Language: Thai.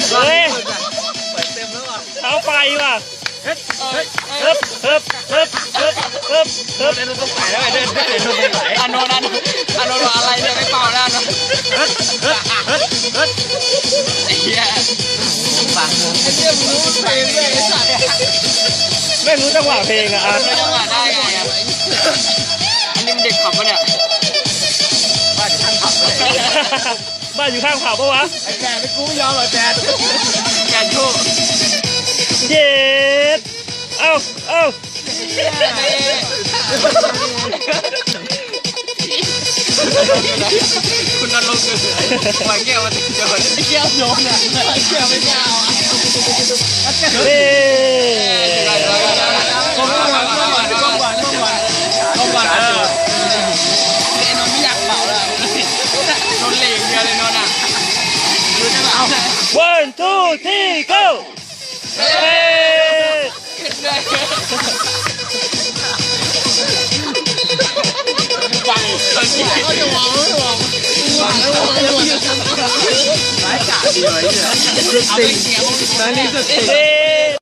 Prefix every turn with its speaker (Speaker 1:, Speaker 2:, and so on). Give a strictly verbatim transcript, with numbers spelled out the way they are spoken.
Speaker 1: เฮ้ย
Speaker 2: เปิดเต็มแล้วอ่ะ
Speaker 1: เท้าไปว่ะ
Speaker 2: เฮ้ยเฮ้ย
Speaker 1: เฮิบเฮิบเฮิบเฮิบเฮิบเฮิบ
Speaker 2: เดินต้องใส่แล้วไอ้เดินเดินต้องใส่
Speaker 3: อานนท์อานนท์อานนท์ว่าอะไรเนี่ยไม่เป่าแล้วอานนท์
Speaker 2: เฮ้ยเฮ้ยเฮ้ยเฮ้ย
Speaker 3: ไอ้เหี้ยฟังไอ้เหี้ยมึงรู้เพลงด้วยไอ้สัตว์
Speaker 1: ไม่รู้จังหวะเพลงอ่ะอ่ะ
Speaker 3: รู้จังหวะได้ไงอ่ะอันนี้มันเด็กขับปะเนี่ย
Speaker 2: บ้านช่างขับเลย
Speaker 1: บ้านอยู่ข้างเขาปะวะ
Speaker 2: ไอ้แกไม่กูไม่ยอมหรอกแก
Speaker 3: แกโชว์
Speaker 1: เย็ดเอ้าเอ้า
Speaker 3: คุณนรกเลยปล่อยแก้วมาติดจอดแก้วโยนอ่ะแก้วไม่แก้ว
Speaker 1: เฮ้
Speaker 3: ก้มก่อนก้มก่อนก้มก่อนก้มก่อนก้มก่อนเออไอ้นนท์ไม่อยากเป่าแล้วนนท์เหลงเดียวเลยนนท์อ่ะดูได้ป่ะ
Speaker 1: one two three go เฮ้ย
Speaker 3: ฟังคนที่เขาจะมองไม่มองมองแล้วมองแล้ว
Speaker 2: ร้ายกาจดีเลยเนี่ย
Speaker 3: เอาไปเสียง
Speaker 2: นั่นนี่สุด
Speaker 1: เฮ้ย